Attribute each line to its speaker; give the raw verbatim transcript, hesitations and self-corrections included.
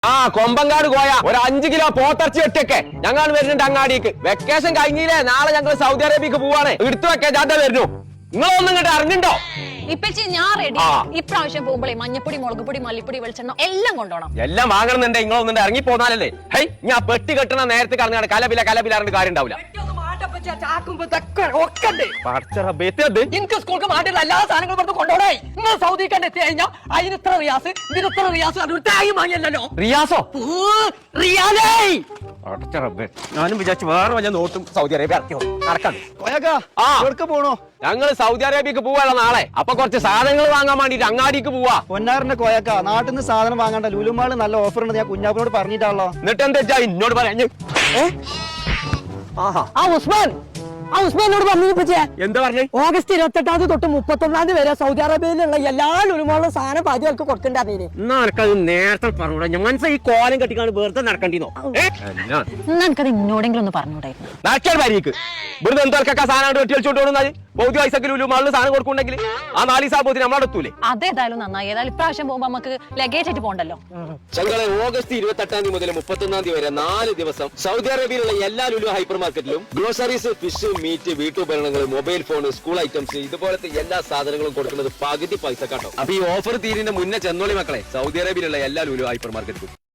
Speaker 1: ആ കൊമ്പങ്കാട് കോയ ഒരു അഞ്ചു കിലോ പോത്തർച്ചി ഒറ്റയൊക്കെ ഞങ്ങൾ വരുന്നുണ്ട് അങ്ങാടിക്ക്. വെക്കേഷൻ കഴിഞ്ഞില്ലേ, നാളെ ഞങ്ങൾ സൗദി അറേബ്യക്ക് പോവാണ്. എടുത്തു വെക്കാൻ ജാഥ വരുന്നു. നിങ്ങളൊന്നും ഇങ്ങോട്ട് ഇറങ്ങുണ്ടോ?
Speaker 2: ഇപ്പച്ചി ഞാൻ റെഡി. ഇപ്രാവശ്യം പോകുമ്പോഴേ മഞ്ഞപ്പൊടി, മുളക് പൊടി, മല്ലിപ്പൊടി, വെളിച്ചെണ്ണ എല്ലാം കൊണ്ടോണം.
Speaker 1: എല്ലാം വാങ്ങണമെന്നുണ്ടെ നിങ്ങളൊന്നും ഇറങ്ങി പോന്നാലല്ലേ. ഹൈ, ഞാൻ പെട്ടി കെട്ടണ നേരത്തെ കറങ്ങാണ് കലപില കലപിലാറിന്റെ കാര്യം ഉണ്ടാവില്ല.
Speaker 3: എനിക്ക് സ്കൂൾക്ക് മാറ്റുള്ള എല്ലാ സാധനങ്ങളും പുറത്ത് കൊണ്ടുപോകണേ. നിങ്ങൾ സൗദിക്കാണ്ട് എത്തി കഴിഞ്ഞാൽ അതിന് ഇത്ര റിയാസ്, ഇതിന് ഇത്ര റിയാസ്, അതൊരു തായി വാങ്ങിയല്ലോ.
Speaker 1: റിയാസോ?
Speaker 3: റിയാലേ
Speaker 1: ഞാനും വിചാരിച്ചു വേറെ വല്ല നോട്ടും സൗദി അറേബ്യ ഇറക്കിയോ നടക്കാൻ.
Speaker 4: പോണോ?
Speaker 1: ഞങ്ങൾ സൗദി അറേബ്യക്ക് പോവാല്ലോ നാളെ. അപ്പൊ കുറച്ച് സാധനങ്ങൾ വാങ്ങാൻ വേണ്ടിട്ട് അങ്ങാടിക്ക് പോവാ.
Speaker 4: പൊന്നാറിന്റെ കോയക്ക നാട്ടിൽ നിന്ന് സാധനം വാങ്ങണ്ട, ലുലുമാള് നല്ല ഓഫർ ഉണ്ട്. ഞാൻ കുഞ്ഞാപ്പിനോട് പറഞ്ഞിട്ടാണല്ലോ.
Speaker 1: എന്നിട്ട് എന്താ എന്നോട് പറഞ്ഞു?
Speaker 3: ആ ഉസ്മാൻ ആ ഉസ്മാനോട് പറഞ്ഞു.
Speaker 1: എന്താ പറഞ്ഞു?
Speaker 3: ഓഗസ്റ്റ് ഇരുപത്തി എട്ടാം തീയതി തൊട്ട് മുപ്പത്തൊന്നാം തീയതി വരെ സൗദി അറേബ്യയിലുള്ള എല്ലാ ലുലുമാളും സാധനം പാചകർക്ക് കൊടുക്കണ്ടേ.
Speaker 1: എന്നാ എനിക്കത് നേരത്തെ പറഞ്ഞൂടാ. ഞാൻ ഈ കോലം കെട്ടിക്കാണ് വെറുതെ നടക്കണ്ടിന്നോ.
Speaker 2: എനിക്കത് ഇന്നോടെങ്കിലും ഒന്ന് പറഞ്ഞൂടായിരുന്നു.
Speaker 1: നടക്കാൻ വരിക്ക് വെറുതെ എന്തൊക്കെ സാധനം വെട്ടി കളിച്ചോണ്ട് പോകുന്നത്. പൗതി വയസ്സൊക്കെ ലുലുമാളിൽ സാധനം കൊടുക്കുന്നുണ്ടെങ്കിൽ ആ നാല് സാബോത്തിന് നമ്മളെത്തൂലേ.
Speaker 2: അതേതായാലും നന്നായി. ഏതായാലും ഇപ്രാവശ്യം പോകുമ്പോ നമുക്ക് ലഗേജ് ആയിട്ട് പോകണ്ടല്ലോ.
Speaker 1: ഞങ്ങളെ ഓഗസ്റ്റ് ഇരുപത്തി എട്ടാം തീയതി മുതൽ മുപ്പത്തൊന്നാം തീയതി വരെ നാല് ദിവസം സൗദി അറേബ്യയിലുള്ള എല്ലാ ലുലു ഹൈപ്പർ മാർക്കറ്റിലും ഗ്രോസറീസ്, ഫിഷ്, മീറ്റ്, വീട്ടുപകരണങ്ങൾ, മൊബൈൽ ഫോൺ, സ്കൂൾ ഐറ്റംസ് ഇതുപോലത്തെ എല്ലാ സാധനങ്ങളും കൊടുക്കുന്നത് പകുതി പൈസ കാട്ടോ. അപ്പൊ ഈ ഓഫർ തീരുന്ന മുന്നേ ചെന്നോളി മക്കളെ, സൗദി അറേബ്യയിലുള്ള എല്ലാ ലുലു ഹൈപ്പർ മാർക്കറ്റിലും.